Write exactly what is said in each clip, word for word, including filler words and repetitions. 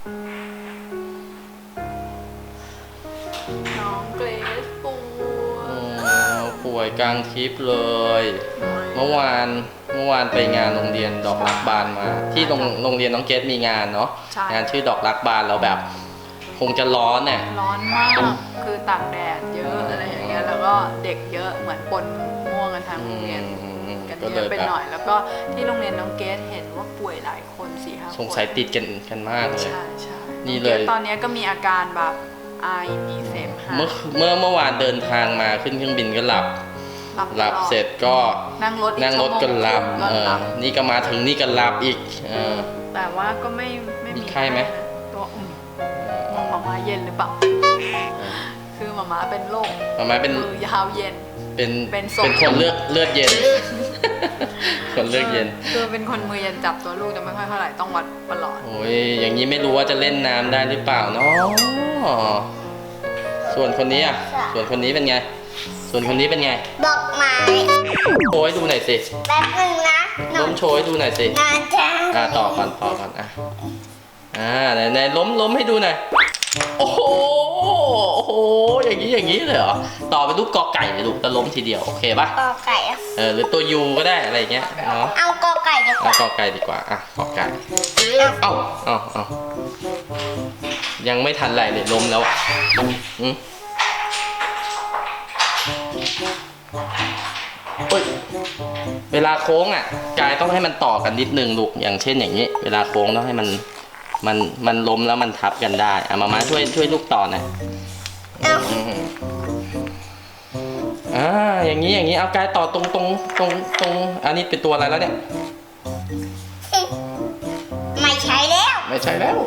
น้องเกรซป่วยป่วยกลางทริปเลยเมื่อวานเมื่อวานไปงานโรงเรียนดอกรักบานมา ที่โรงโรงเรียนน้องเกรซมีงานเนาะงานชื่อดอกรักบานแล้วแบบคงจะร้อนเนี่ยร้อนมากคือตากแดดเยอะอะไรอย่างเงี้ยแล้วก็เด็กเยอะเหมือนปนม่วงกันทางโรงเรียนกันเยอะไปหน่อยแล้วก็ที่โรงเรียนน้องเกรซเห็นว่าป่วยหลายคนสี่ห้าคนสงสัยติดกันกันมากเลยใช่ใช่นี่เลยตอนนี้ก็มีอาการแบบไอมีเสมหะเมื่อเมื่อเมื่อวานเดินทางมาขึ้นเครื่องบินก็หลับหลับเสร็จก็นั่งรถนั่งรถก็หลับเออนี่ก็มาถึงนี่ก็หลับอีกเออแต่ว่าก็ไม่ไม่มีไข้ไหมตัวอุ่นหมาม้าเย็นหรือเปล่าคือหมาม้าเป็นโรคหมาม้าเป็นมือยาวเย็นเป็นเป็นคนเลือดเลือดเย็นคนเลือดเย็นคือเป็นคนมือเย็นจับตัวลูกจะไม่ค่อยเท่าไหร่ต้องวัดตลอดโอ้ยอย่างนี้ไม่รู้ว่าจะเล่นน้ำได้หรือเปล่าเนาะส่วนคนนี้อ่ะส่วนคนนี้เป็นไงส่วนคนนี้เป็นไงดอกไม้โชว์ให้ดูหน่อยสิแป๊บนึงนะล้มโชว์ให้ดูหน่อยสินะจ๊ะอ่าต่อก่อนต่อก่อนอ่ะอ่าไหนไหนล้มล้มให้ดูหน่อยโอ้โหโอ้โหอย่างนี้อย่างนี้เลยเหรอต่อเป็นรูปกอไก่เลยลูกแต่ล้มทีเดียวโอเคป่ะกอไก่เออหรือตัวยูก็ได้อะไรเงี้ยเนาะเอากอไก่ดีกว่าเอากอไก่ดีกว่าอ่ะกอไก่เอ้าเอ้าเอ้ายังไม่ทันไรเลยล้มแล้วอ่ะอืมเฮ้ยเวลาโค้งอ่ะกายต้องให้มันต่อกันนิดนึงลูกอย่างเช่นอย่างนี้เวลาโค้งต้องให้มันมันมันล้มแล้วมันทับกันได้อ่ะมามาช่วยช่วยลูกต่อหน่อยอ่าอย่างนี้อย่างนี้เอากายต่อตรงตรงตรงตรงอันนี้เป็นตัวอะไรแล้วเนี่ยไม่ใช่แล้วไม่ใช่แล้ว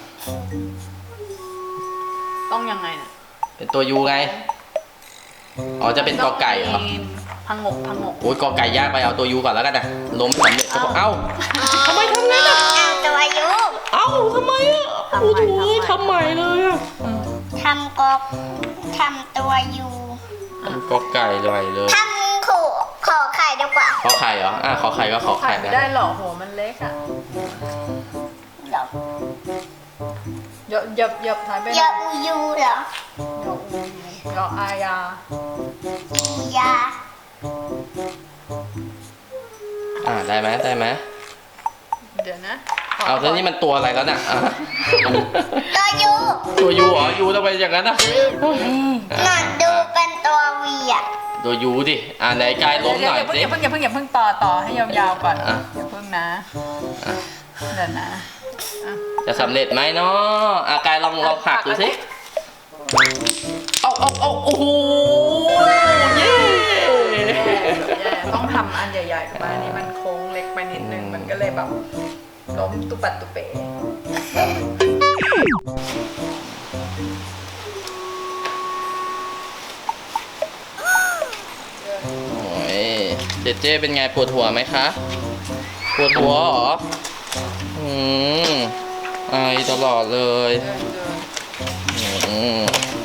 ต้องยังไงน่ะเป็นตัวยูไงอ๋อจะเป็นกอไก่เหรอพังงกพังงกโอ้ยกอไก่ยากไปเอาตัวยูก่อนแล้วกันนะล้มสำเร็จก็เอ้าทำไมทำงั้นอ่ะตัวยูเอ้าทำไมอ่ะโอ้โหทำใหม่เลยอ่ะทำกอทำตัวยูทำกอไก่เลยเลยทำขู่ขอไข่ดีกว่าขอไข่เหรออ่ะขอไข่ก็ขอไข่ไม่ได้หรอกโหมันเล็กอ่ะหรอเยอะเยอะเยอะท้ายไปเยอะอูยูเหรอเยอะอูเยอะอายาอียาอ่าได้ไหมได้ไหมเดี๋ยวนะเอาแล้วนี่มันตัวอะไรแล้วน่ะตัวยูตัวยูเหรอยูทำไมอย่างนั้นอ่ะหนอนดูเป็นตัววีอ่ะตัวยูดิอ่าไหนกายล้มหน่อยสิอย่าเพิ่งอย่าเพิ่งอย่าเพิ่งต่อต่อให้ยาวๆก่อนอย่าเพิ่งนะเดี๋ยวนะจะสำเร็จไหมเนาะอากายลองลองหักดูสิเอาเอาเอาโอ้โหเย้ต้องทำอันใหญ่ๆมาอันนี้มันโค้งเล็กไปนิดนึงมันก็เลยแบบล้มตุปัดตุเป๋โอ้ยเจเจเป็นไงปวดหัวไหมคะปวดหัวเหรออืมไอตลอดเลยอืม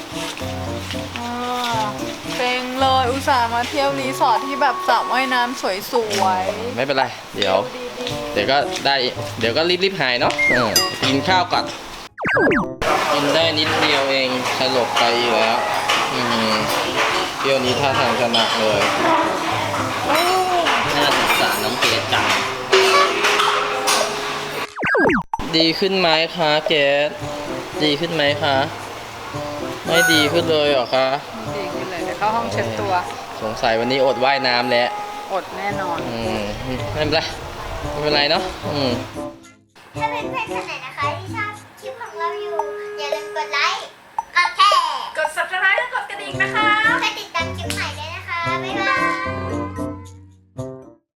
เป่งเลยอุตส่าห์มาเที่ยวรีสอร์ทที่แบบสระว่ายน้ำสวยๆไม่เป็นไรเดี๋ยวเดี๋ยวก็ได้เดี๋ยวก็รีบๆหายเนาะกินข้าวก่อนกินได้นิดเดียวเองสลบไปแล้วเที่ยวนี้ท่าทางจะหนักเลยน่าสงสารน้องเกดจังดีขึ้นไหมคะเกดดีขึ้นไหมคะไม่ดีขึ้นเลยเหรอคะดีขึ้นเลยเดี๋ยวเข้าห้องเช็ดตัวสงสัยวันนี้อดว่ายน้ำแล้วอดแน่นอนอืมไม่เป็นไรไม่เป็นไรเนาะอืมถ้าเป็นเพื่อนๆคนไหนนะคะที่ชอบคลิปของเราอยู่อย่าลืมกดไลค์กดแช